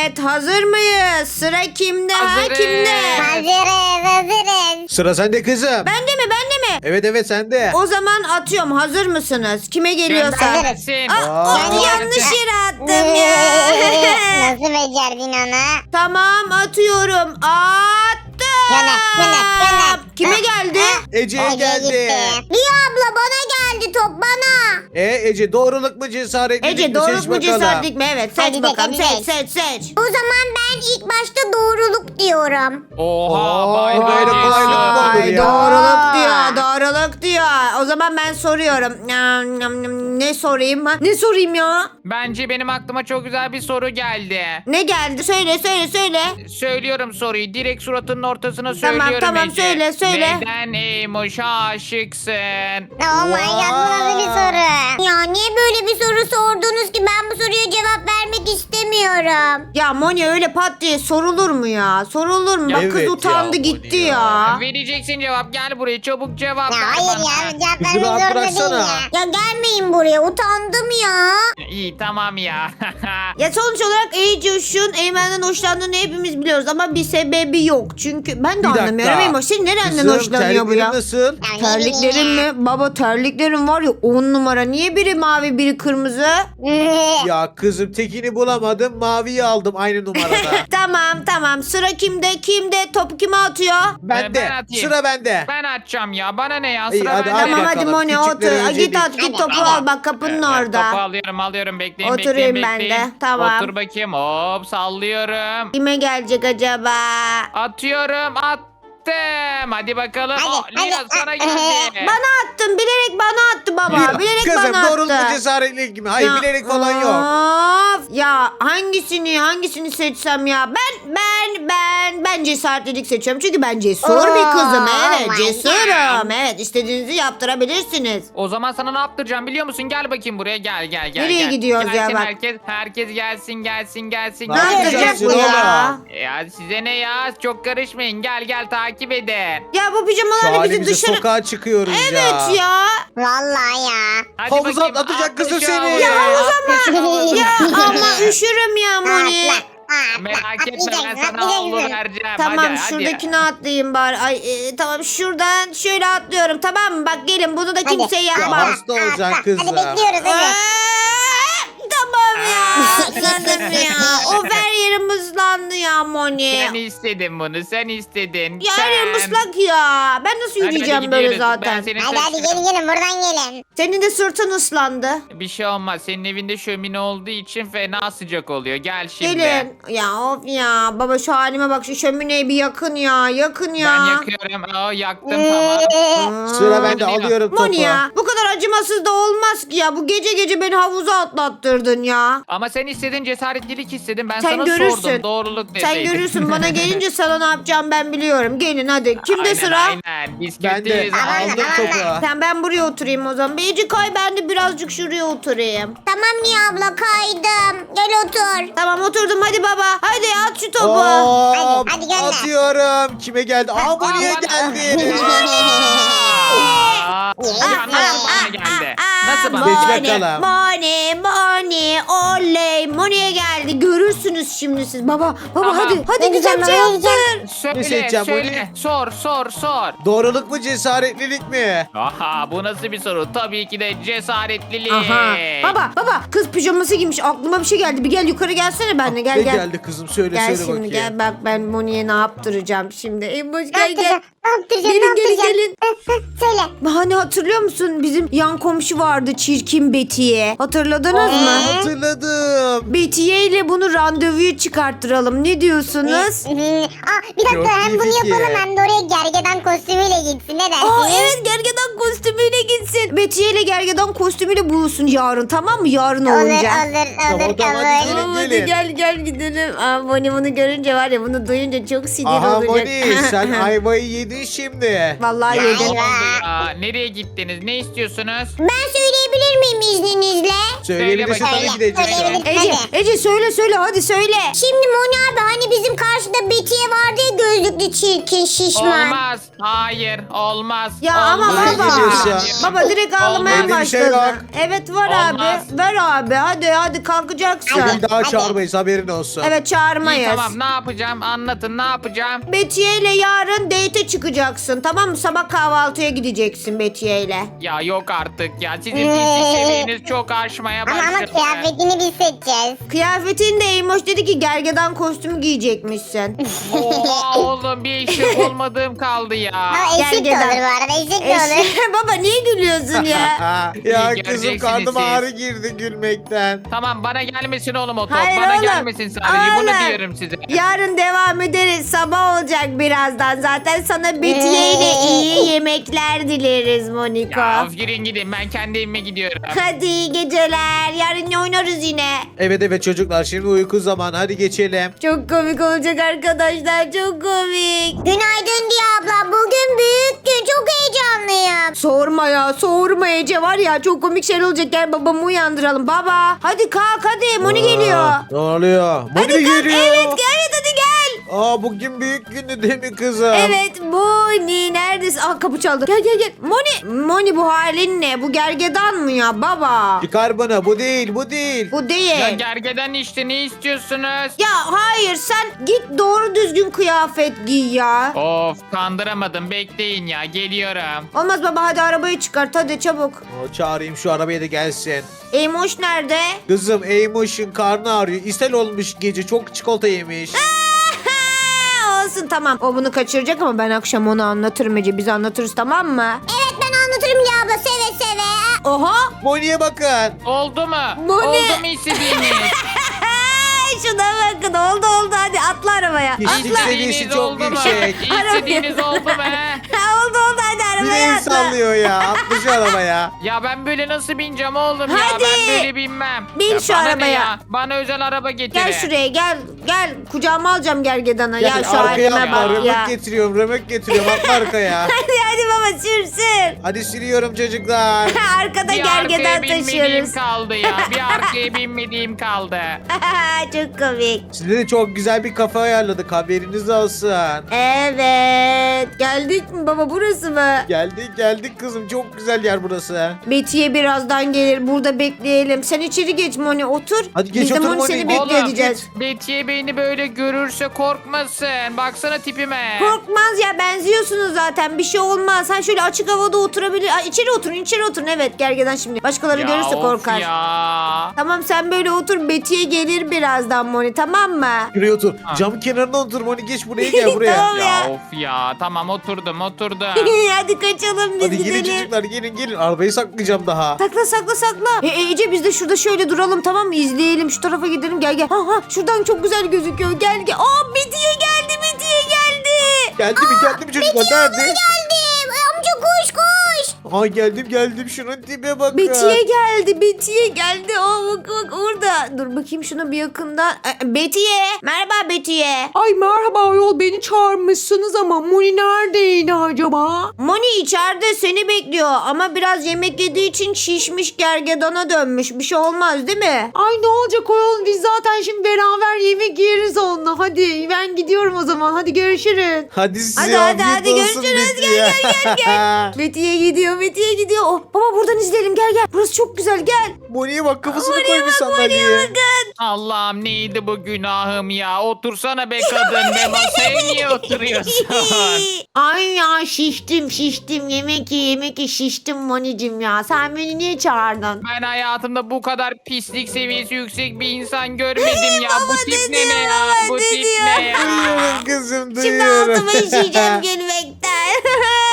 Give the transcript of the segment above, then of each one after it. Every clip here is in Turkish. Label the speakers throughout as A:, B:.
A: Evet, hazır mıyız? Sıra kimde?
B: Hazırız.
A: Kimde?
C: Hazırız.
D: Sıra sende kızım.
A: Bende mi?
D: Evet sende.
A: O zaman atıyorum. Hazır mısınız? Kime geliyorsa.
B: Göndersin.
D: Aa.
A: Yanlış yere attım ya.
C: Nasıl becerdin onu?
A: Tamam, atıyorum. Attım.
C: Gönder.
A: Kime geldi?
D: Ece'ye
C: Ece
D: geldi.
C: gitti.
A: Liya abla bana geldi, top bana.
D: Ece doğruluk mu cesaretlilik
A: Ece
D: mi?
A: doğruluk
D: Seç
A: mu
D: bakalım.
A: cesaretlik mi? Evet, seç
C: Hadi
A: bakalım.
C: de, hadi
A: Seç.
C: O zaman ben ilk başta doğruluk diyorum.
B: Oha
D: Oo,
B: bay
D: böyle
B: bay
D: kolaylık mı olur
A: Ay,
D: ya?
A: doğruluk diyor. O zaman ben soruyorum. Ne sorayım? Ne sorayım ya?
B: Bence benim aklıma çok güzel bir soru geldi.
A: Ne geldi? Söyle.
B: Söylüyorum soruyu. Direkt suratının ortasına söylüyorum
A: Tamam,
B: Ece.
A: söyle.
B: Neden Eymoş'a aşıksın?
C: Oh my god, bu nasıl bir soru? Ya niye böyle bir soru sordunuz ki? Ben bu soruya cevap vermek istemiyorum.
A: Ya Moni, öyle pat diye sorulur mu ya? Sorulur mu? Bak
D: Evet
A: kız
D: ya,
A: utandı
D: Moni
A: gitti
D: ya.
A: ya.
B: Vereceksin cevap. Gel buraya çabuk cevap
C: Ya
B: ver
C: hayır
B: bana.
C: ya, cevap
D: Kızı
C: vermek
D: rahat
C: zorunda değil
D: bıraksana.
C: ya. Ya gelmeyin buraya, utandım ya.
B: İyi tamam ya.
A: Ya sonuç olarak Ece Eymen'den hoşlandığını hepimiz biliyoruz ama bir sebebi yok. Çünkü ben de
D: Bir
A: anlamıyorum.
D: dakika.
A: Eymoş, senin nereden
D: Kızım,
A: hoşlanıyor bu ya?
D: terliklerin nasıl?
C: Ya ne
A: Terliklerin
C: bileyim ya.
A: mi? Baba, terliklerin var ya 10 numara. Niye biri mavi biri kırmızı?
D: Ya kızım tekini bulamadım. Maviyi aldım aynı numarada.
A: Tamam. Sıra kimde? Topu kime atıyor?
D: Bende.
B: Ben atayım.
D: Sıra bende.
B: Ben açacağım ya. Bana ne ya?
D: İyi,
B: Sıra
D: hadi,
B: bende.
D: hadi
A: Tamam hadi
D: bakalım.
A: Moni otur.
D: Küçükleri
A: Git
D: öncelik.
A: at git topu
C: Hadi.
A: al. Bak kapının
B: Topu
A: orada.
B: alıyorum. Bekleyin.
A: Oturayım ben de. Tamam.
B: Otur bakayım. Hop sallıyorum.
A: Kime gelecek acaba?
B: Atıyorum. Attım. Hadi bakalım.
C: Hadi,
B: Lina
C: hadi.
B: sana geldi.
A: Bana attın. Bilerek bana attı baba. Bilerek
D: Kızım
A: bana
D: doğruluk mu
A: attı.
D: cesaretlilik mi? Hayır
A: Ya,
D: bilerek falan yok.
A: of. Ya hangisini seçsem ya? Ben cesaretlilik seçiyorum. Çünkü ben cesur bir kızım. Evet,
C: Oh my
A: cesurum. Evet, istediğinizi yaptırabilirsiniz.
B: O zaman sana ne yaptıracağım biliyor musun? Gel bakayım buraya. Gel.
A: Nereye gidiyoruz ya
B: Gelsin
A: bak.
B: Herkes gelsin.
A: Ne
D: Ne
A: yapacak
D: yapacaksın
A: bu ya?
D: oğlum?
B: Ya size ne ya? Çok karışmayın. Gel takip edin.
A: Ya bu
D: Şu
A: pijamalarla bizi
D: halimize
A: dışarı...
D: sokağa çıkıyoruz ya.
A: Evet ya.
C: Vallahi ya.
B: Hadi
D: Havuza
B: bakayım,
D: atacak kızı
B: atla şu
D: seni.
B: havuza.
D: Ya
B: Atla şu
A: Ya
B: havuza.
A: ama üşürüm ya Moni.
B: Merak etme ben
C: Atlayacaksın,
B: sana havlu
C: atlayacaksın.
B: vereceğim.
A: Tamam,
B: hadi.
A: şuradakine atlayayım bari. Ay tamam, şuradan şöyle atlıyorum, tamam mı? Bak gelin, bunu da kimse
D: Ya
A: yapmaz.
D: hasta olacaksın kızım.
C: Hadi bekliyoruz hadi.
A: Tamam ya. Sanırım ya. Of, her yerim ıslandı ya Moni.
B: Sen istedin bunu sen istedin.
A: Ya her yerim
B: Sen.
A: ıslak ya. Ben nasıl
B: Hadi
A: yürüyeceğim böyle
B: gidiyoruz.
A: zaten?
B: Ben senin
C: Hadi gelin buradan gelin.
A: Senin de sırtın ıslandı.
B: Bir şey olmaz. Senin evinde şömine olduğu için fena sıcak oluyor. Gel şimdi.
A: Gelin. Ya of ya. Baba şu halime bak, şu şömineyi bir yakın ya. Yakın ya.
B: Ben yakıyorum. Yaktım tamam.
D: Sıra bende
B: Hadi
D: alıyorum topu.
A: Moni ya. Bu kadar acımasız da olmaz ki ya. Bu gece beni havuza atlattırdın ya.
B: Ama sen istedin cesaretlilik istedin. Ben
A: Sen
B: sana
A: görürsün.
B: sordum. Doğruluk
A: Sen
B: deseydin.
A: görürsün, bana gelince sana ne yapacağım ben biliyorum. Gelin hadi. Kimde
B: Aynen,
A: sıra?
B: Aynen. Biz
D: Ben de
B: kötüyüz.
D: aldım topu.
A: Sen, ben buraya oturayım o zaman. Beyci kay, ben de birazcık şuraya oturayım.
C: Tamam Niye abla, kaydım. Gel otur.
A: Tamam, oturdum, hadi baba. Hadi at şu topu.
D: Hop,
C: Hadi gönder.
D: atıyorum. Kime geldi? Aa bu niye geldi?
B: Ya nasıl bana geldi? Nasıl bana
D: Seç
B: geldi?
D: bakalım.
A: Moni, oley. Moni'ye geldi. Görürsünüz şimdi siz. Baba,
B: Tamam.
A: hadi
C: Ne
A: güzel bir
C: diyeceğim,
A: şey
C: ne
A: yaptır.
B: Söyle,
D: Ne seçeceğim
B: söyle. Sor.
D: Doğruluk mu cesaretlilik mi?
B: Aha bu nasıl bir soru? Tabii ki de cesaretlilik.
A: Aha. Baba, kız pijaması giymiş. Aklıma bir şey geldi. Bir gel yukarı gelsene benimle.
D: Ne
A: Gel.
D: geldi kızım? Söyle
A: Gel
D: söyle
A: şimdi,
D: bakayım.
A: gel bak, ben Moni'ye ne yaptıracağım şimdi. Emoş
C: Ne
A: gel.
C: yaptıracağım?
A: Gelin.
C: Söyle.
A: Hani hatırlıyor musun? Bizim yan komşu vardı, çirkin Betiye. Hatırladınız mı?
D: Hatırladım.
A: Betiye ile bunu randevuya çıkarttıralım. Ne diyorsunuz?
C: Bir
D: Çok
C: dakika, hem
D: iyi
C: bunu
D: fikir.
C: yapalım hem de oraya gergedan kostümüyle gitsin. Ne dersin?
A: Aa evet, gergedan kostümüyle gitsin. Betiye ile gergedan kostümüyle buluşsun yarın, tamam mı? Yarın olunca.
C: Olur
D: Tamam, hadi
C: kabul.
D: gelin.
A: Hadi gel gidelim. Aa, Moni bunu görünce var ya, bunu duyunca çok sinir
D: Aha
A: olacak.
D: Moni sen ayvayı yedin yedin şimdi.
A: Vallahi
B: Ya
A: yedim.
B: ne oldu ya? Nereye gittiniz? Ne istiyorsunuz?
C: Ben söyleyebilir miyim izninizle?
D: Söyleyebilirsin
B: bakayım.
D: tabii ki de Ece.
C: Söyleyebilirim.
A: Ece,
C: Hadi.
A: Ece söyle hadi söyle.
C: Şimdi Moni abi hani bizim karşıda Betiye vardı ya, gözlüklü çirkin şişman.
B: Olmaz. Hayır. Olmaz.
A: Ya ama
B: Olmaz.
D: Nereye gidiyorsun?
A: baba direkt ağlamaya
D: Olmaz. Bir şey
A: başladı.
D: yok.
A: Evet var
B: Olmaz.
A: abi. Ver abi hadi kalkacaksın.
D: Bugün daha
C: Hadi.
D: çağırmayız haberin olsun.
A: Evet
B: İyi,
A: çağırmayız.
B: tamam ne yapacağım? Anlatın ne yapacağım?
A: Betiye ile yarın date'e çıkacaksın tamam mı? Sabah kahvaltıya gideceksin Betiye ile.
B: Ya yok artık ya. Sizin pislik seviyeniz çok aşmaya
C: Ama
B: başladı.
C: kıyafetini biz seçeceğiz.
A: Kıyafetin de Eymoş dedi ki gergedan kostümü giyecekmişsin.
B: Oha oğlum bir eşek olmadığım kaldı ya.
C: Ha, eşit de
A: Gergedan.
C: olur bu arada, eşit de olur.
A: Baba niye gülüyorsun ya?
D: Ya
B: İyi,
D: kızım
B: göreceksiniz
D: karnıma
B: siz.
D: ağrı girdi gülmekten.
B: Tamam bana gelmesin oğlum o top.
A: Hayır
B: Bana
A: oğlum.
B: gelmesin sadece. Bunu
A: Oğlum.
B: diyorum size.
A: Yarın devam ederiz. Sabah olacak birazdan. Zaten sana Betiye ile iyi yemekler dileriz Moniko.
B: Ya of yürüyün gidin. Ben kendi evime gidiyorum.
A: Hadi iyi geceler. Yarın oynarız yine.
D: Evet çocuklar şimdi uyku zamanı hadi geçelim.
A: Çok komik olacak arkadaşlar. Çok komik.
C: Günaydın Diye abla, bugün büyük gün, çok heyecanlıyım.
A: Sorma Ece var ya çok komik şeyler olacak. Gel babamı uyandıralım. Baba hadi kalk hadi. Moni geliyor.
D: Aa, ne oluyor? Moni
A: Hadi kalk.
D: geliyor.
A: Evet hadi gel.
D: Aa bugün büyük gündü değil mi kızım?
A: Evet Moni neredesin? Aa kapı çaldı. Gel. Moni bu halin ne? Bu gergedan mı ya baba?
D: Çıkar bana bu değil bu değil.
A: Bu değil.
B: Ya gergeden işte ne istiyorsunuz?
A: Ya hayır sen git doğru düzgün kıyafet giy ya.
B: Of kandıramadım bekleyin ya geliyorum.
A: Olmaz baba hadi arabayı çıkart hadi çabuk.
D: Aa, çağırayım şu arabaya da gelsin.
A: Eymoş nerede?
D: Kızım Eymoş'un karnı ağrıyor. İshal olmuş gece çok çikolata yemiş.
A: Olsun tamam. O bunu kaçıracak ama ben akşam onu anlatırım Ece. Biz anlatırız tamam mı?
C: Evet, ben anlatırım Diye abla, seve seve.
A: Oha.
B: Oldu
D: Moni'ye bakın.
B: mu?
A: Bu ne?
B: Oldu mu istediğiniz?
A: Şuna bakın oldu hadi atla arabaya.
D: Pislik
A: Atla.
D: seviyesi çok
B: oldu mu?
D: yüksek.
B: İstediğiniz oldu mu? he?
A: oldu hadi
D: Bir
A: arabaya
D: el
A: atla.
D: sallıyor ya. Atmış şu arabaya.
B: Ya ben böyle nasıl bineceğim oğlum ya?
A: Hadi.
B: Ben böyle binmem.
A: Bin
B: Ya
A: şu
B: bana ne
A: arabaya.
B: ya? Bana özel araba getirin.
A: Gel şuraya gel. Kucağıma alacağım gergedanı.
D: Gel,
A: Ya şu
D: arkaya
A: halime
D: atla.
A: bak ya.
D: Römök getiriyorum. Atla arkaya.
A: Hadi baba sürsün.
D: Hadi sürüyorum çocuklar.
A: Arkada
B: Bir arkaya
A: gergedan
B: binmediğim
A: taşıyoruz.
B: kaldı ya. Bir arkaya binmediğim kaldı.
A: Çok komik.
D: Size de çok güzel bir kafe ayarladık. Haberiniz olsun.
A: Evet. Geldik mi baba burası mı?
D: Geldik kızım. Çok güzel yer burası.
A: Betiye birazdan gelir. Burada bekleyelim. Sen içeri geç Moni otur.
D: Hadi geç
A: Biz de
D: otur
A: Moni
D: Moni.
A: seni
D: Oğlum,
A: bekleyeceğiz.
B: Betiye beni böyle görürse korkmasın. Baksana tipime.
A: Korkmaz ya benziyorsunuz zaten bir şey olmaz. Sen şöyle açık havada oturabilir. Ay, içeri oturun evet gergedan şimdi. Başkaları
B: Ya
A: görürse
B: of
A: korkar.
B: ya.
A: Tamam sen böyle otur Betiye gelir birazdan Moni tamam mı?
D: Şuraya otur.
B: Ha.
D: Cam kenarına otur Moni. Geç buraya gel buraya.
A: Tamam.
B: Ya
A: Ya.
B: of ya. Tamam oturdum.
A: Hadi kaçalım biz
D: Hadi gelin
A: gidelim.
D: çocuklar gelin. Arabayı saklayacağım daha.
A: Sakla. Ece biz de şurada şöyle duralım tamam mı? İzleyelim şu tarafa gidelim gel. Ha şuradan çok güzel gözüküyor gel. Aa Betiye geldi.
D: Geldi mi çocuklar? Nerede?
C: Geldim. Amca koş.
D: Ha geldim. Şunun tipe bakın.
A: Betiye geldi. Aa bak orada. Dur bakayım şuna bir yakından. Betiye. Merhaba Betiye.
E: Ay merhaba ayol, beni çağırmışsınız ama Moni neredeydi acaba?
A: Moni içeride seni bekliyor ama biraz yemek yediği için şişmiş gergedana dönmüş. Bir şey olmaz değil mi?
E: Ay ne olacak ayol, biz zaten şimdi beraber yemek yeriz onunla. Hadi ben gidiyorum o zaman, hadi görüşürüz.
D: Hadi size
A: Hadi,
D: afiyet olsun
A: görüşürüz.
D: Betiye.
A: Gel. Betiye gidiyor. Oh, baba buradan izleyelim gel. Burası çok güzel gel.
D: Moni'ye bak kafasını koymuş sandalyeye.
B: Allah'ım neydi bu günahım ya? Otursana be kadın be masaya niye oturuyorsun?
A: Ay ya şiştim. Yemek ye şiştim Moni'cim ya. Sen beni niye çağırdın?
B: Ben hayatımda bu kadar pislik seviyesi yüksek bir insan görmedim ya. Bu tip ne
A: diyor,
B: ya?
A: baba
B: Bu tip
A: diyor.
B: ne ya?
D: Duyuyorum kızım
A: Şimdi
D: duyuyorum.
A: altıma işeyeceğim gülmekten.
B: Aa,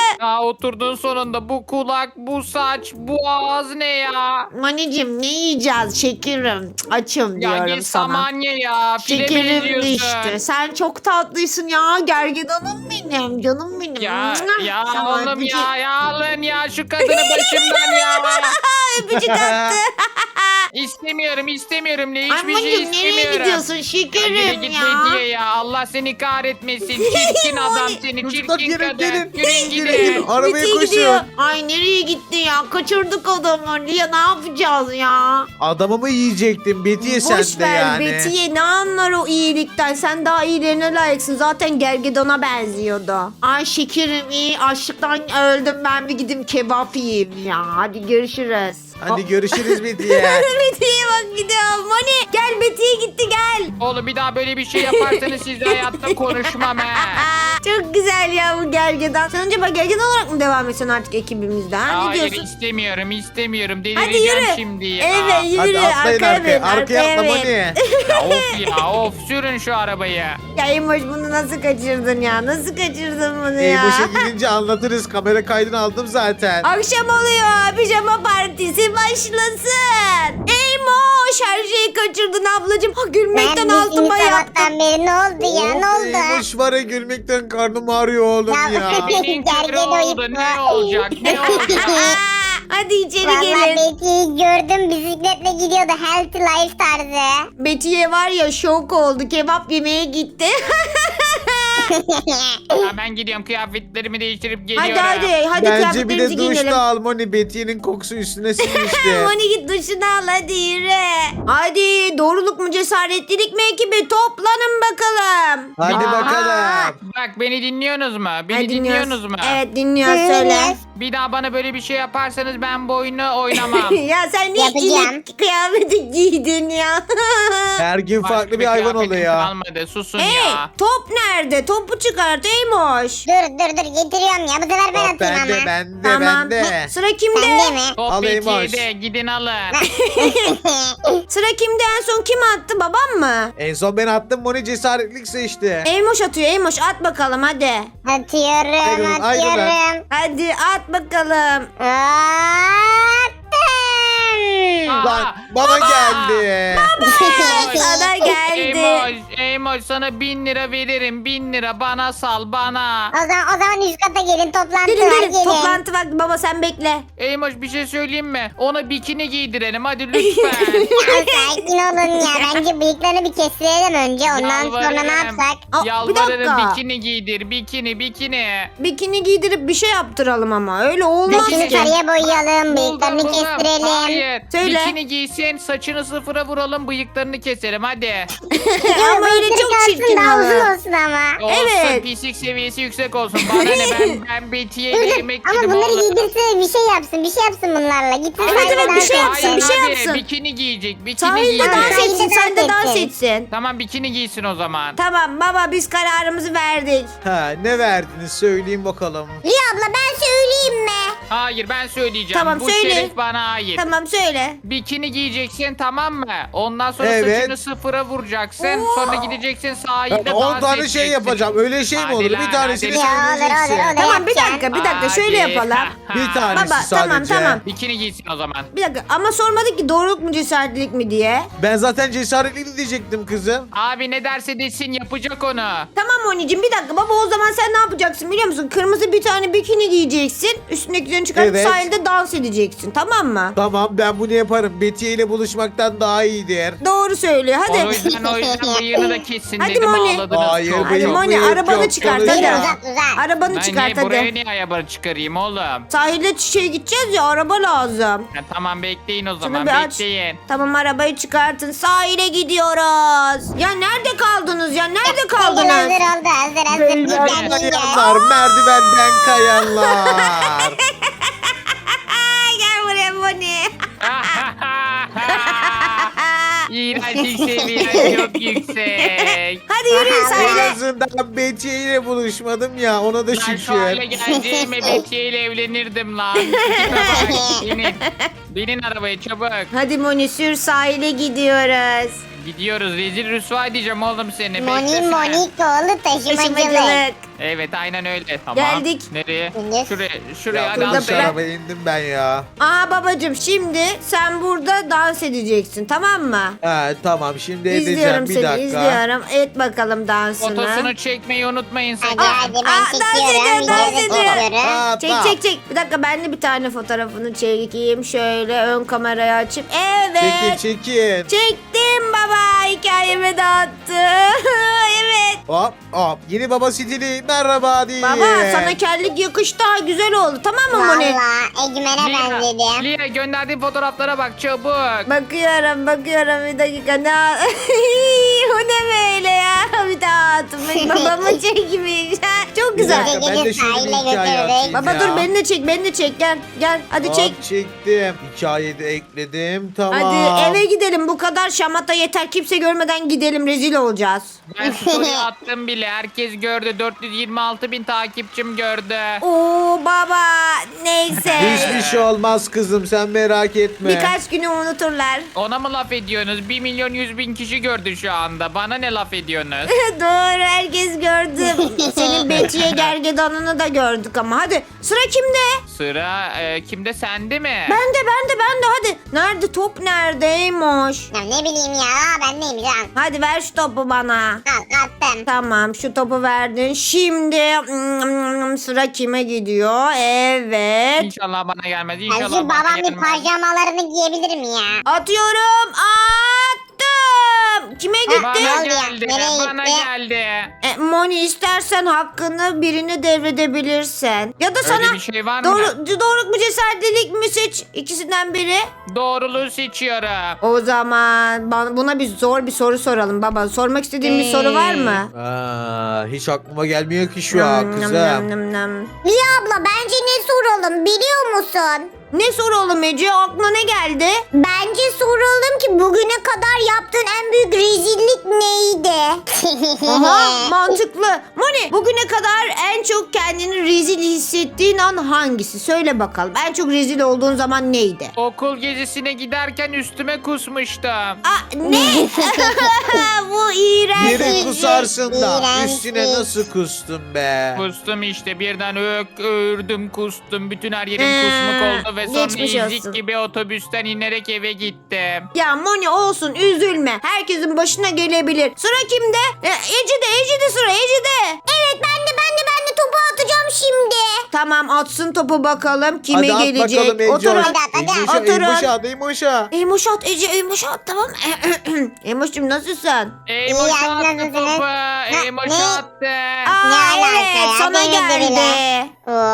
B: oturdun sonunda. Bu kulak, bu saç, bu ağız ne ya?
E: Monicim ne yiyeceğiz şekerim? Açım
B: Ya
E: diyorum
B: git
E: sana.
B: samanya ya. File
E: Şekerim
B: benziyorsun.
E: işte. Sen çok tatlısın ya. Gergedanım benim. Canım benim.
B: Ya ya
E: Sana
B: oğlum
E: öpücük-
B: ya alın ya şu kadını başımdan ya.
E: Öpücük attı.
B: İstemiyorum ne
E: Ay
B: hiçbir şey
E: Monicim nereye
B: istemiyorum.
E: gidiyorsun
B: Yürü
E: şekerim
B: git
E: ya?
B: Bediye ya. Allah seni kahretmesin. Çirkin adam seni.
D: Çocuklar
B: Çirkin
D: gelin,
B: kadın.
D: gelin.
B: Yürüyün
D: Gelin,
B: gidin.
D: gelin. Arabaya
E: Betiye
D: koşun.
E: gidiyor. Ay nereye gitti ya? Kaçırdık adamı. Ya ne yapacağız ya?
D: Adamı mı yiyecektin Betiye sen
E: Boş
D: de
E: ver
D: yani?
E: Betiye, ne anlar o iyilikten? Sen daha iyilerine layıksın. Zaten gergedana benziyordu. Ay şekerim iyi. Açlıktan öldüm. Ben bir gideyim kebap yiyeyim ya. Hadi görüşürüz.
D: Hadi görüşürüz Betiye.
E: Betiye bak gidiyorum. Moni gel, Betiye gitti gel.
B: Oğlum bir daha böyle bir şey yaparsanız sizle hayatta konuşmam he.
E: Çok güzel ya bu gergedan. Sen acaba gergedan olarak mı devam etsen artık ekibimizde? Ha? Ne
B: Hayır
E: diyorsun?
B: istemiyorum.
E: Hadi
B: Delireceğim
E: yürü.
B: şimdi ya.
E: Evet yürü.
D: Hadi atlayın
E: Arkaya bin.
D: arkaya atla
E: bin.
D: Moni.
B: Ya of sürün şu arabayı.
E: Ya Emoş bunu nasıl kaçırdın ya? Nasıl kaçırdın bunu ya?
D: Eymoş'a gidince anlatırız. Kamera kaydını aldım zaten.
E: Akşam oluyor. Pijama partisi başlasın. Eymoş her şeyi kaçırdın ablacığım. Ha, gülmekten altıma yaptım.
C: sabahtan beri ne oldu ya ne oldu?
D: Eymoş var ya gülmekten karnım ağrıyor oğlum ya.
B: Benim
C: Gergin
B: karı oldu
C: oyun
B: ne
C: bu.
B: olacak ne olacak?
E: Hadi içeri
C: Vallahi
E: gelin.
C: Betty'yi gördüm bisikletle gidiyordu healthy life tarzı.
E: Betiye var ya şok oldu. Kebap yemeye gitti.
B: Ya ben gidiyorum kıyafetlerimi değiştirip geliyorum.
E: hadi
D: Bence bir
E: kıyafetlerimizi
D: de duş
E: giyinelim.
D: da al Moni. Betiye'nin kokusu üstüne sinmişti.
E: Moni git duşunu al hadi yürü. Hadi doğruluk mu cesaretlilik mi ekibi toplanın bakalım.
D: Hadi
B: Aa,
D: bakalım.
B: Bak beni dinliyorsunuz mu? Beni
E: Hadi
B: dinliyorsunuz mu?
E: Evet dinliyoruz söyle.
C: Dinliyoruz.
B: Bir daha bana böyle bir şey yaparsanız ben bu oyunu oynamam.
E: Ya sen niye
C: Yapacağım.
E: inek kıyafeti giydin ya?
D: Her gün
B: Başka
D: farklı bir hayvan
B: kıyafetim
D: oluyor.
B: Kalmadı susun
E: Hey
B: ya.
E: top nerede? Topu çıkart Eymoş.
C: dur getiriyorum ya bu sefer ben
D: Hop,
C: atayım ama.
D: bende
E: Tamam.
D: bende.
E: Sıra kimde?
C: Sende mi?
B: Top
D: Alayım
B: Betiye'de gidin alın.
E: Sıra kimde? En son kim attı? Babam mı?
D: En son ben attım Moni cesaretlik seçti.
E: Eymoş atıyor. Eymoş at bakalım hadi.
C: Atıyorum
D: Ayrıl, ayrıl
C: atıyorum.
E: Hadi at bakalım.
C: Attım.
D: Lan bana geldi.
E: Sana geldi.
B: Eymoş sana 1000 lira veririm. 1000 lira bana sal bana.
C: O zaman üst kata gelin toplantı
E: Gelin
C: var
E: gelin.
C: gelin.
E: Toplantı vakti baba sen bekle.
B: Eymoş bir şey söyleyeyim mi? Ona bikini giydirelim hadi lütfen.
C: Ya sakin olun ya. Bence bıyıklarını bir kestirelim önce. Ondan sonra ne
B: Yalvarırım.
C: yapsak?
E: Aa, bir
B: Yalvarırım
E: dakika.
B: bikini giydir. Bikini.
E: Bikini giydirip bir şey yaptıralım ama. Öyle olmaz
C: Saçını
E: ki.
C: sarıya boyayalım. Bıyıklarını
B: Buldum.
C: kestirelim.
B: Hayır.
E: Söyle.
B: Bikini giysin, saçını sıfıra vuralım, bıyıklarını keselim hadi.
E: Ama öyle
C: bıyıkları
E: çok
C: kalsın,
E: çirkin
C: daha
E: olur.
C: uzun olsun ama.
B: Olsun,
E: Evet.
B: pislik seviyesi yüksek olsun. Bana ne ben Betiye ile
C: Dur,
B: yemek
C: ama
B: yedim
C: bunları
B: oğlum.
C: giydirse bir şey yapsın bunlarla. Gitsin
E: Evet,
C: sahilde
E: evet, bir
C: dans
E: şey yapsın,
C: etsin.
E: bir şey
B: Abi,
E: yapsın.
B: Bikini giyecek, bikini
E: Sahilde
B: giyecek.
E: dans
C: Sahilde
E: etsin. Sen de
C: dans
E: dans
C: etsin.
E: etsin.
B: Tamam bikini giysin o zaman.
E: Tamam baba biz kararımızı verdik.
D: Ha, ne verdiniz söyleyin bakalım.
C: Liya abla ben söyleyeyim mi?
B: Hayır ben söyleyeceğim.
E: Tamam,
B: Bu
E: söyle.
B: şeref bana ait.
E: Tamam söyle.
B: Bikini giyeceksin tamam mı? Ondan sonra
D: Evet.
B: saçını sıfıra vuracaksın. Sonra gideceksin sahilde
D: Ben 10
B: dans
D: tane şey
B: edeceksin.
D: yapacağım. Öyle şey mi
B: Hadi
D: olur?
B: lan,
D: Bir tanesini
B: hadi.
C: Ya
D: sen
C: olur olur
D: bileceksin.
C: olur.
E: Tamam bir dakika şöyle
B: Hadi.
E: yapalım.
D: Bir tanesi
E: Baba,
D: sadece.
E: tamam.
B: Bikini giysin o zaman.
E: Bir dakika ama sormadık ki doğruluk mu cesaretlilik mi diye.
D: Ben zaten cesaretli diyecektim kızım.
B: Abi ne derse desin yapacak onu.
E: Tamam Moni'cim bir dakika baba o zaman sen ne yapacaksın biliyor musun? Kırmızı bir tane bikini giyeceksin. Üstündekilerini çıkartıp
D: Evet.
E: sahilde dans edeceksin tamam mı?
D: Tamam ben bunu yaparım. Betiye ile buluşmaktan daha iyidir.
E: Doğru söylüyor
B: O
E: hadi.
B: yüzden bıyığını da kessin
E: Hadi
B: dedim
E: Moni.
B: ağladınız
D: Hayır,
B: çok.
E: Hadi
D: bıyık,
E: Moni
D: bıyık
E: arabanı
D: yok,
E: çıkart
D: konuş
E: hadi.
D: ya.
C: Uzat.
E: Arabanı
B: Ben
E: çıkart
B: niye buraya
E: hadi.
B: niye ayabarı çıkarayım oğlum?
E: Sahilde gideceğiz ya araba lazım.
B: Ya, tamam bekleyin o
E: Şunu
B: zaman
E: bir aç.
B: bekleyin.
E: Tamam arabayı çıkartın sahile gidiyoruz. Ya nerede kaldınız ya nerede
C: Hazır
E: kaldınız?
C: oldu hazır.
D: Merdivenden
C: Gel, gel.
D: kayanlar, merdivenden kayanlar.
E: Ay, gel buraya Moni.
B: İğrençlik seviyen çok yüksek.
E: Hadi yürüyün
D: En
E: sahile.
D: azından Betiye ile buluşmadım ya ona da
B: Ben şu hale
D: şükür.
B: geleceğime Betiye ile evlenirdim lan. Tipe bak, binin. Binin arabaya çabuk.
E: Hadi Moni sür sahile gidiyoruz.
B: Gidiyoruz rezil rüsva edeceğim oğlum seni.
C: Moni
B: Beklesene.
C: Monikoğlu taşımacılık.
E: Taşımacılık.
B: Evet aynen öyle. Tamam.
E: Geldik.
B: Nereye?
C: İndir.
B: Şuraya
D: Ya
B: hadi
E: burada
D: yanlış
E: ben-
D: arabaya indim ben ya.
E: Aa babacım şimdi sen burada dans edeceksin tamam mı?
D: He tamam şimdi edeceğim
E: İzliyorum
D: bir
E: seni
D: dakika.
E: izliyorum. Et bakalım dansını.
B: Fotosunu çekmeyi unutmayın sakın.
C: Hadi ben
E: dans ediyor,
C: çekiyorum.
E: dans
C: Videoda
E: ediyor.
C: çekiyorum.
E: Çek çek çek. Bir dakika ben de bir tane fotoğrafını çekeyim. Şöyle ön kamerayı açıp. Evet.
D: Çekin.
E: Çektim baba. Hikayemi dağıttı. Evet.
D: Hop hop. Yeni baba stili merhaba diye.
E: Baba sana kellik yakıştı. Ha, güzel oldu tamam mı Moni?
C: Valla Egemen'e benzedim.
B: Lia gönderdiğim fotoğraflara bak çabuk.
E: Bakıyorum bir dakika. Ne... o ne böyle ya? Bir daha atmış. Babamı çekmiş. Çok
D: Bir
E: güzel.
D: dakika, ben de şöyle bir
C: Sahile
D: hikaye
C: götürdük.
D: atayım
E: Baba
D: ya.
E: dur beni de çek. Gel. Hadi
D: Hop,
E: çek.
D: çektim. Hikayeyi de ekledim. Tamam.
E: Hadi eve gidelim. Bu kadar şamata yeter. Kimse görmeden gidelim. Rezil olacağız.
B: Ben story attım bile. Herkes gördü. 426 bin takipçim gördü.
E: Oo baba. Neyse.
D: Hiçbir şey olmaz kızım sen merak etme.
E: Birkaç günü unuturlar.
B: Ona mı laf ediyorsunuz? 1 milyon 100 bin kişi gördü şu anda. Bana ne laf ediyorsunuz?
E: Doğru herkes gördü. Senin Betty'ye gergedanını da gördük ama. Hadi sıra kimde?
B: Sıra kimde sende mi?
E: Ben de hadi. Nerede top neredeymiş?
C: Ya ne bileyim ya ben neyim lan.
E: Hadi ver şu topu bana.
C: Al attım.
E: Tamam şu topu verdin. Şimdi sıra kime gidiyor? Evet.
B: İnşallah bana gelmez.
C: Ya
B: İnşallah
C: şu
B: bana
C: babam bir
B: gelmez.
C: pijamalarını giyebilir mi ya?
E: Atıyorum. Attım. Kime gitti?
B: Bana
C: Ne oldu ya?
B: geldi.
C: Nereye
B: Bana
C: gitti?
B: geldi.
E: Moni istersen hakkını birine devredebilirsin. Ya da
B: Öyle
E: sana
B: bir şey var mı?
E: doğruluk mu cesaretlilik mi seç ikisinden biri.
B: Doğruluğu seçiyorum.
E: O zaman buna zor bir soru soralım baba. Sormak istediğin bir soru var mı?
D: Hiç aklıma gelmiyor ki şu an
E: Nam,
D: kızım.
E: nam, nam, nam.
C: Liya abla bence ne soralım biliyor musun?
E: Ne soralım Ece? Aklına ne geldi?
C: Bence soralım ki bugüne kadar yaptığın en büyük rezillik neydi?
E: Aha mantıklı. Moni bugüne kadar en çok kendini rezil hissettiğin an hangisi? Söyle bakalım. En çok rezil olduğun zaman neydi?
B: Okul gezisine giderken üstüme kusmuştum.
E: Ne? Bu iğrenç.
D: Yere kusarsın da
C: İğrenç.
D: üstüne nasıl kustun be?
B: Kustum işte birden ördüm kustum. Bütün her yerim kusmuk oldu ve sonra
E: geçmiş
B: ezik
E: olsun.
B: gibi otobüsten inerek eve gittim.
E: Ya Moni olsun üzülme. Herkesin başına gelebilir. Sıra kimde? Ece'de sıra Ece'de.
C: Evet ben de topu atacağım şimdi.
E: Tamam atsın topu bakalım kime
D: Hadi at
E: gelecek.
D: bakalım Ece.
E: Oturun.
C: Hadi.
E: Oturun.
D: Eymoş'a.
E: Eymoş at Ece Eymoş at tamam. Eymoş'cum nasılsın?
B: Eymoş
C: İyi,
B: attı
C: nasılsınız?
B: topu.
C: Ne?
B: Eymoş
C: Ne?
B: attı.
E: Aa
C: alaka
E: evet
C: ya?
E: sana
C: Denizli
E: geldi.
C: bile.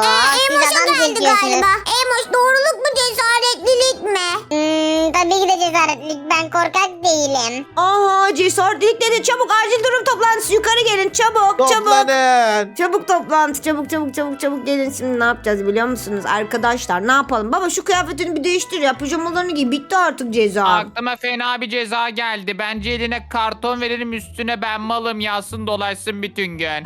C: Emoş'a geldi galiba. Emoş doğruluk mu cesaretlilik mi? Tabii ki de cesaretlilik. Ben korkak değilim.
E: Aha cesaretlik dedi çabuk acil durum toplantısı yukarı gelin çabuk çabuk.
D: Toplanın.
E: Çabuk toplantı çabuk gelin şimdi ne yapacağız biliyor musunuz arkadaşlar ne yapalım baba şu kıyafetini bir değiştir ya pijamalarını giy bitti artık ceza.
B: Aklıma fena bir ceza geldi. Bence eline karton verelim üstüne ben malım yazsın dolaşsın bütün gün.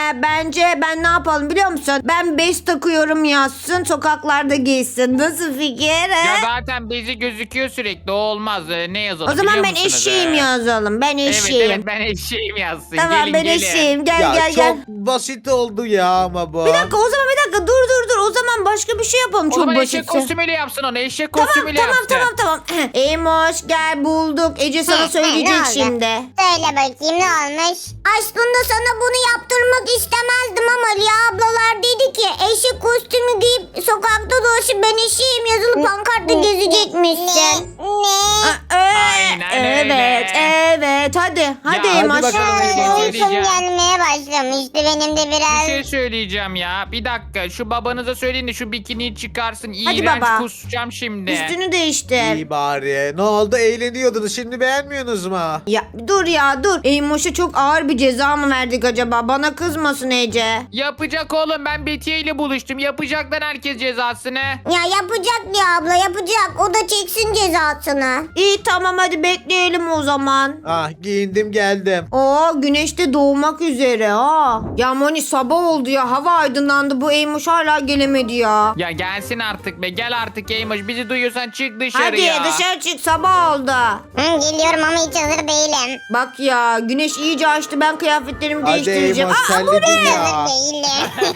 E: Bence ben ne yapalım biliyor musun ben bez takıyorum yazsın sokaklarda giysin nasıl fikir
B: Ya
E: he?
B: zaten bezi gözüküyor sürekli o olmaz. Ne yazalım
E: O zaman
B: biliyor
E: ben
B: musunuz?
E: eşeğim yazalım ben eşeğim.
B: Evet ben eşeğim yazsın.
E: Tamam
B: gelin,
E: ben
B: gelin.
E: eşeğim gel
D: Ya
E: gel
D: çok
E: gel.
D: basit oldu ya ama bu.
E: Bir dakika o zaman bir dakika dur o zaman başka bir şey yapalım
B: O
E: çok
B: zaman
E: basit.
B: eşek kostümüyle yapsın onu. Eşek kostümüyle
E: Tamam. Eymoş gel bulduk. Ece sana
C: Ne
E: söyleyecek
C: oldu?
E: şimdi.
C: Söyle bakayım ne olmuş? Aslında sana bunu yaptırmak istemezdim ama Liya ablalar dedi ki eşek kostümü giyip sokakta dolaşıp ben eşeğim yazılı pankartta gezecekmişsin. Ne?
B: Aynen öyle.
E: Evet hadi
B: hadi
E: Eymoş.
D: bakalım Eymoş.
C: Uykum gelmeye başlamıştı benim de
B: Bir
C: biraz.
B: şey söyleyeceğim ya. Bir dakika şu babanıza söyleyin de şu bikiniyi çıkarsın.
E: Hadi
B: İğrenç
E: baba.
B: kusacağım şimdi.
E: Üstünü değiştir.
D: İyi bari. Ne oldu eğleniyordunuz şimdi beğenmiyorsunuz mu?
E: Ya dur. Eymoş'a çok ağır bir ceza mı verdik acaba? Bana kızmasın Ece.
B: Yapacak oğlum ben Betiye ile buluştum. Yapacak lan herkes cezasını.
C: Ya yapacak Liya abla yapacak. O da çeksin cezasını.
E: İyi tamam hadi bekleyelim o zaman.
D: Ah giyindim geldim.
E: Oo güneş de doğmak üzere. yere ha. Ya Moni sabah oldu ya. Hava aydınlandı. Bu Eymuş hala gelemedi ya.
B: Ya gelsin artık be. Gel artık Eymoş. Bizi duyuyorsan çık
E: Hadi
B: dışarıya.
E: dışarı çık, sabah oldu.
C: Geliyorum ama hiç hazır değilim.
E: Bak ya güneş iyice açtı, ben kıyafetlerimi
D: Hadi
E: değiştireceğim.
D: Eymoş
E: Aa, bu
D: terledin
E: ne?
D: ya.
C: Hazır değilim.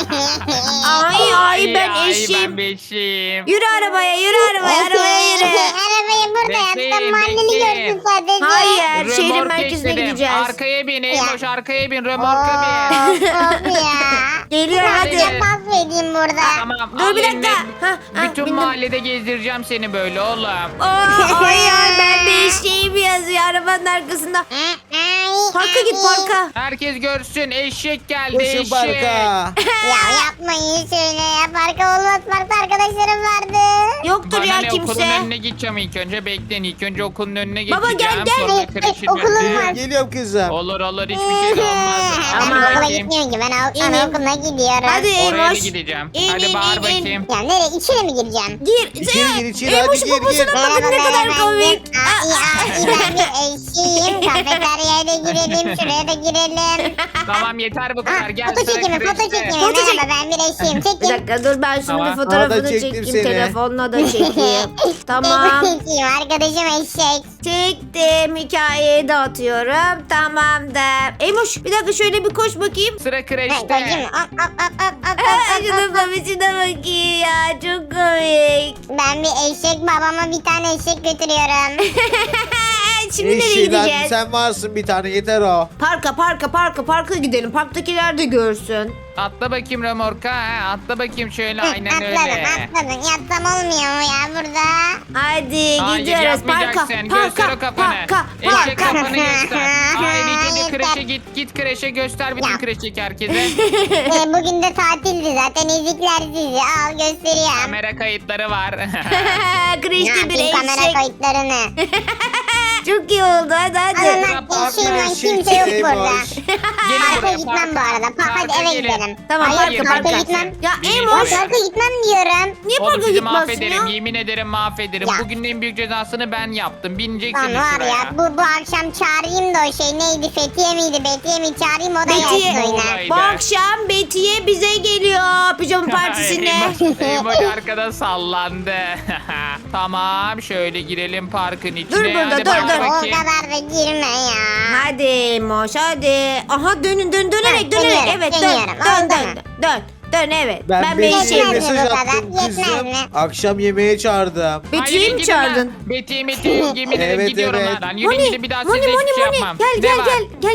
E: Ay ben eşim.
B: Ben beşim.
E: Yürü arabaya, yürü arabaya, arabaya yürü.
C: Arabayı burada
B: Bekleyin,
C: yaptım. Mahalleli
B: bekleyin.
C: gördüm sadece.
E: Hayır, şehrin
B: Römorka
E: merkezine
B: istedim.
E: gideceğiz.
B: Arkaya bin Eymoş, arkaya bin. Römorka bin.
C: Of ya.
E: Geliyor hadi.
C: Biraz pas edeyim burada.
B: Tamam.
E: Dur
B: al
E: bir dakika.
B: eline.
E: Ha,
B: Bütün
E: bindim.
B: mahallede gezdireceğim seni böyle oğlum.
E: Ay ben bir eşeğim yazıyor arabanın arkasında. Parka git, parka.
B: Herkes görsün. Eşek geldi,
D: Koşun
B: eşek.
C: Ya
D: parka.
C: yapmayın şöyle ya. Parka olmaz. Parkta arkadaşlarım vardı.
E: Yoktur
B: Bana
E: ya
B: ne, okulun
E: kimse.
B: önüne gideceğim ilk önce. Bekleyin, ilk önce okulun önüne
E: Baba,
B: geçeceğim.
E: gel, gel.
B: Sonra
C: Evet,
B: kreşin
C: okulum
B: önüne.
C: var.
D: Geliyorum kızım.
B: Olur hiçbir şey de olmaz.
C: Ben
B: Hadi
C: okula
B: bakayım.
C: gitmiyorum ki. Ben
E: İnin.
C: anaokuluna gidiyorum.
E: Hadi
B: Oraya da
E: Eymoş.
B: gideceğim.
E: İn,
B: Hadi
E: in,
B: bağır
E: in, in.
B: bakayım.
C: Ya nereye? İçeri mi gireceğim?
E: Gir.
D: İçeri gir, içeri,
E: Eymoş
D: hadi gir,
E: babasına
D: gir.
E: bakın ne kadar komik.
C: Ben bir eşiyim. Kafeteryaya da girelim. Şuraya da girelim.
B: Tamam yeter bu kadar. Gel
C: Foto
B: sıra
C: çekimi, foto
B: kreşte.
C: çekimi.
E: Foto çek-
C: Merhaba ben bir eşiyim.
E: Bir
C: Çekin.
E: dakika dur, ben şimdi
B: Tamam.
E: bir fotoğrafını
D: Aa, da çektim
E: çekeyim,
D: seni.
E: telefonla da çekeyim. Tamam.
C: Eşiyim. Arkadaşım eşek.
E: Çektim, hikayeyi de atıyorum. Tamamdır. Eymoş bir dakika şöyle bir koş bakayım.
B: Sıra
C: Koyayım
B: kreşte.
C: mı? Hop, hop, hop, hop, hop,
E: Aa,
C: hop,
E: şunun
C: hop, hop.
E: babasına bakayım ya, çok komik.
C: Ben bir eşek babama bir tane eşek götürüyorum.
E: Şimdi nereye
D: Eşi lan,
E: gideceğiz?
D: sen varsın bir tane yeter o.
E: Parka gidelim. Parktakiler de görsün.
B: Atla bakayım römorka. Atla bakayım şöyle aynen
C: Atladım
B: öyle.
C: atladım. Yatsam olmuyor mu ya burada?
E: Hadi
B: Hayır
E: gidiyoruz parka.
B: yapmayacaksın. Göster o kafanı. Eşek
C: parka.
B: kafanı göster. Hayır ilk önce kreşe
C: Yeter.
B: git kreşe göster bütün
C: Ya.
B: kreşteki herkese.
C: Bugün de tatildi zaten ezikler sizi. Al gösteriyorum.
B: Kamera kayıtları var.
C: Ne
E: Kreşte bir
C: yapayım kamera
E: eşek.
C: kayıtlarını?
E: Çok iyi oldu, hadi.
C: Anam
D: Parka
C: eşeğim lan
D: eşek
C: kimse yok burada.
D: Eymoş.
B: Gelin
C: Parka
B: buraya,
C: gitmem bu
B: parka.
C: arada. Hadi
B: Parka
C: eve
B: gelin.
C: gidelim.
E: Tamam,
C: Hayır
E: parka.
C: parka gitmem.
E: Ya
B: Gelin
E: Eymoş,
B: buraya.
C: Parka gitmem diyorum.
E: niye
B: Oğlum
E: parka
B: sizi
E: gitmezsin
B: mahvederim.
E: ya?
B: Yemin ederim mahvederim.
C: Ya.
B: Bugünün en büyük cezasını ben yaptım. Bineceksiniz
C: Lan var
B: şuraya.
C: ya bu akşam çağırayım da o şey neydi Fethiye miydi Betiye mi çağırayım o da
E: Betiye.
C: gelsin oyuna.
B: Olay.
E: Bu akşam Betiye bize geliyor pijama partisine.
B: Emoji arkada sallandı. Tamam şöyle girelim parkın içine.
E: Dur burada,
B: Hadi
E: dur,
B: bak
E: dur.
C: O
B: bakayım.
C: kadar da girme ya.
E: Hadi Eymoş hadi. Aha dönerek.
C: dönüyorum,
E: Evet
C: dönüyorum.
E: dön evet.
D: Ben
E: bir
D: Betty'ye
E: eşeğim.
C: Yetmez mi
D: mesaj
C: bu kadar?
D: attım
C: Yetmez
D: kızım.
C: mi?
D: Akşam yemeğe çağırdım.
E: Betiye'yi
B: Hayır,
E: mi
B: gidin lan.
E: çağırdın?
B: Betiye yemin ederim
D: Evet,
B: gidiyorum
D: evet.
B: lan. Yürüyün gidin bir daha size
E: Moni,
B: hiçbir şey yapmam. Ne var?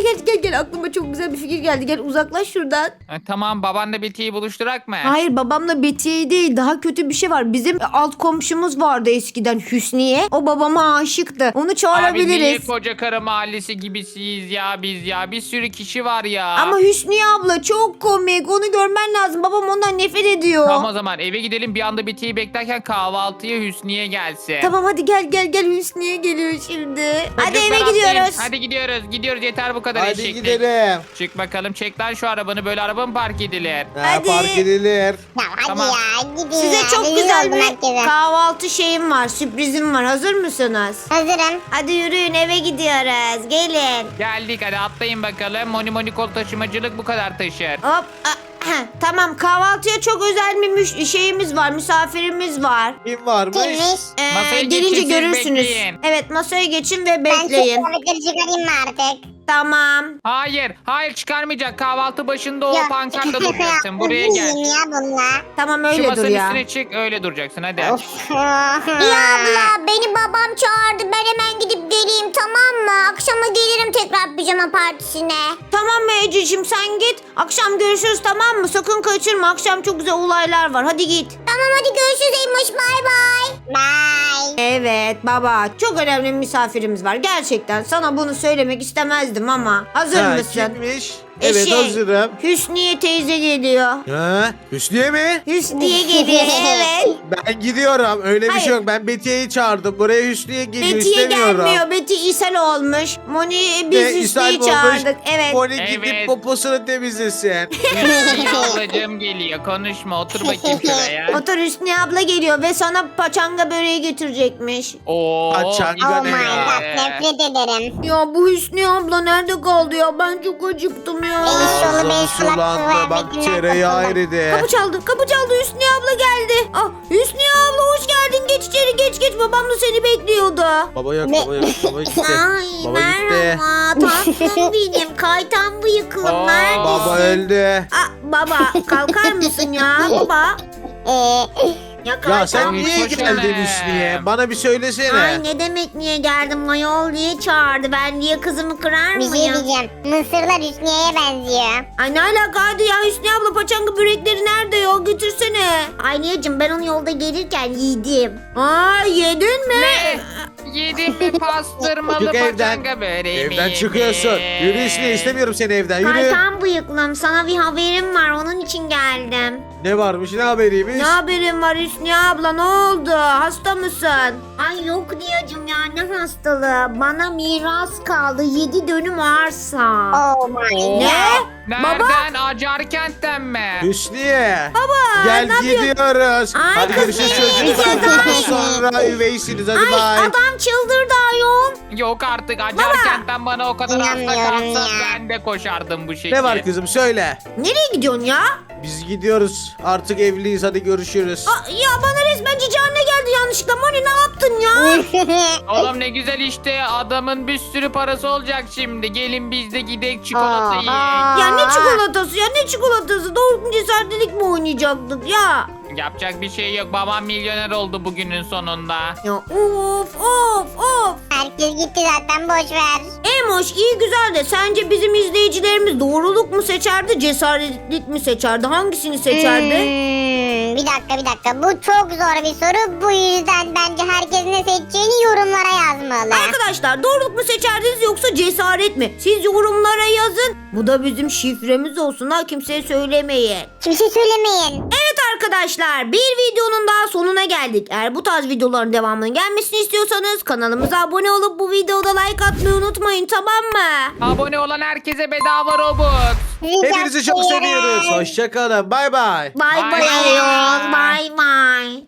E: gel aklıma çok güzel bir fikir geldi. Gel uzaklaş şuradan.
B: Tamam babanla Betiye'yi buluşturak mı?
E: Hayır, babamla Betiye değil, daha kötü bir şey var. Bizim alt komşumuz vardı eskiden, Hüsniye. O babama aşıktı. Onu
B: Abi niye
E: çağırabiliriz.
B: koca karı mahallesi gibisiyiz ya biz ya. Bir sürü kişi var ya.
E: Ama Hüsniye abla çok komik. Onu görmen lazım. Babam ondan nefret ediyor.
B: Tamam o zaman eve gidelim bir anda Betiye'yi beklerken kahvaltıya Hüsniye gelsin.
E: Tamam hadi gel Hüsniye geliyor şimdi. Hadi
B: Çocuklar
E: eve
B: atlayın.
E: gidiyoruz.
B: Hadi gidiyoruz yeter bu kadar
D: Hadi
B: eşeklik.
D: gidelim.
B: Çık bakalım çek lan şu arabanı böyle araba mı park edilir?
E: Hadi.
D: Park edilir.
C: Ya hadi
B: Tamam.
C: ya gidin
E: Size
C: ya.
E: çok
C: rezil
E: güzel
C: oldum
E: bir
C: herkese.
E: kahvaltı şeyim var, sürprizim var. Hazır mısınız?
C: Hazırım.
E: Hadi yürüyün, eve gidiyoruz. Gelin.
B: Geldik hadi atlayın bakalım. Moni kol taşımacılık bu kadar taşır.
E: Hop. Tamam, kahvaltıya çok özel bir şeyimiz var, misafirimiz var.
D: Kim varmış?
C: Kimmiş?
B: Masaya
E: Gelince
B: geçin, siz
E: görürsünüz.
B: bekleyin.
E: Evet, masaya geçin ve
C: Ben şu
E: bekleyin.
C: kıyafetleri çıkarayım mı artık?
E: Tamam.
B: Hayır çıkarmayacak. Kahvaltı başında o
C: Ya,
B: pankartla duracaksın. Buraya gel.
C: üzüyüm ya bununla.
E: Tamam,
B: Şu
E: öyle dur
B: masanın
E: ya.
B: üstüne çık öyle duracaksın hadi.
C: Of.
E: Ya abla, beni babam çağırdı. Ben hemen gidip geleyim, tamam mı? Akşama gelirim tekrar pijama partisine. Tamam mı Ececiğim, sen git. Akşam görüşürüz, tamam mı? Sakın kaçırma. Akşam çok güzel olaylar var. Hadi git. Tamam, hadi görüşürüz Eymoş. Bay bay.
C: Bye.
E: Evet baba, çok önemli bir misafirimiz var. Gerçekten sana bunu söylemek istemezdim ama. Hazır
D: Ha,
E: mısın?
D: kimmiş? Evet
E: Şey,
D: hazırım.
E: Hüsniye teyze geliyor.
D: Ha, Hüsniye mi?
E: Hüsniye geliyor, evet.
D: Ben gidiyorum. Öyle bir
E: Hayır.
D: şey yok. Ben Betiye'yi çağırdım. Buraya Hüsniye geliyor.
E: Betiye
D: istemiyorum.
E: gelmiyor. Beti ishal olmuş. Moni biz
D: Ve ishal
E: Hüsniye'yi
D: mi olmuş?
E: çağırdık. Evet.
D: Moni
B: Evet.
D: gidip poposunu temizlesin.
B: Hüsniye ablacığım geliyor. Konuşma otur bakayım şuraya.
E: Otur, Hüsniye abla geliyor ve sana paçanga böreği getirecekmiş.
B: Oo.
D: Paçanga
C: Oh
D: ne
C: my
D: ya?
C: god nefret ederim.
E: Ya bu Hüsniye abla nerede kaldı ya? Ben çok acıktım
A: ya.
C: Eşşoğlu beş
D: Ağzım sulandı. Bak tereyağı eridi.
A: Kapı çaldı. Hüsniye abla geldi. Ah, Hüsniye abla hoş geldin. Geç içeri geç. Babam da seni bekliyordu.
D: Baba yok. Baba gitti.
E: Ay
D: Baba gitti.
E: merhaba tatlım benim kaytan bıyıklım
B: Aa.
E: neredesin?
D: Baba öldü.
A: Ah, baba kalkar mısın ya baba?
D: Ya sen
B: Ay,
D: niye
B: hoş
D: geldin
B: geldin.
D: Hüsniye? Bana bir söylesene.
E: Ay ne demek niye geldim Mayol diye çağırdı. Ben diye kızımı kırar
C: Bir şey
E: mıyım?
C: diyeceğim. Mısırlar Hüsniye'ye benziyor.
A: Ay ne alakaydı ya Hüsniye abla paçanga börekleri nerede ya götürsene.
E: Aynıyacım ben onu yolda gelirken yedim.
A: Aa yedin mi?
B: Ne? Yedin mi pastırmalı
D: Çık evden.
B: paçanga böreğimi?
D: Evden çıkıyorsun. Yürü Hüsniye, istemiyorum seni evden. Yürü.
E: Kaytan bıyıklım sana bir haberim var onun için geldim.
D: Ne varmış, ne haberiymiş?
A: Ne haberin var Hüsniye abla ne oldu? Hasta mısın?
E: Ay yok diyacım ya ne hastalığı. Bana miras kaldı 7 dönüm arsa.
C: Oh my.
A: Ne?
B: Nereden? Acarkent'ten mi?
D: Hüsniye.
A: Baba
D: Gel
A: ne yapıyorsun?
D: gidiyoruz.
A: Ay,
D: Hadi
A: kız
D: görüşürüz
A: beni
D: çocuklar.
A: izle,
D: Sonra üveysiniz. Hadi
E: Ay
D: bay.
E: adam çıldırdı ayol.
B: Yok artık Acarkent'ten bana o kadar hasta
C: İnanmıyorum
B: kalsa
C: ya.
B: ben de koşardım bu şekilde.
D: Ne var kızım söyle.
A: Nereye gidiyorsun ya?
D: Biz gidiyoruz. Artık evliyiz. Hadi görüşürüz.
A: Aa, ya bana resmen cici anne geldi yanlışlıkla. Moni ne yaptın ya?
B: Oğlum ne güzel işte adamın bir sürü parası olacak şimdi. Gelin biz de gidelim çikolata yiyelim.
A: Ya ne çikolatası ya ne çikolatası? Doğru cesaretlilik mi oynayacaktık ya?
B: Yapacak bir şey yok. Babam milyoner oldu bugünün sonunda.
A: Ya of.
C: Herkes gitti zaten boş ver.
A: Emoş iyi güzel de sence bizim izleyicilerimiz doğruluk mu seçerdi cesaretlik mi seçerdi? Hangisini seçerdi?
C: Bir dakika. Bu çok zor bir soru. Bu yüzden bence herkes ne seçeceğini yorumlara yazmalı.
A: Arkadaşlar doğruluk mu seçerdiniz yoksa cesaret mi? Siz yorumlara yazın. Bu da bizim şifremiz olsun ha kimseye söylemeyin.
C: Kimse söylemeyin.
A: Evet arkadaşlar bir videonun daha sonuna geldik. Eğer bu tarz videoların devamının gelmesini istiyorsanız kanalımıza abone olup bu videoda like atmayı unutmayın tamam mı?
B: Abone olan herkese bedava Robux.
D: Hepinizi çok seviyoruz. Hoşçakalın. Bay bay.
A: Bay
B: Bye
A: bay
B: bye.
A: ayol bay bay.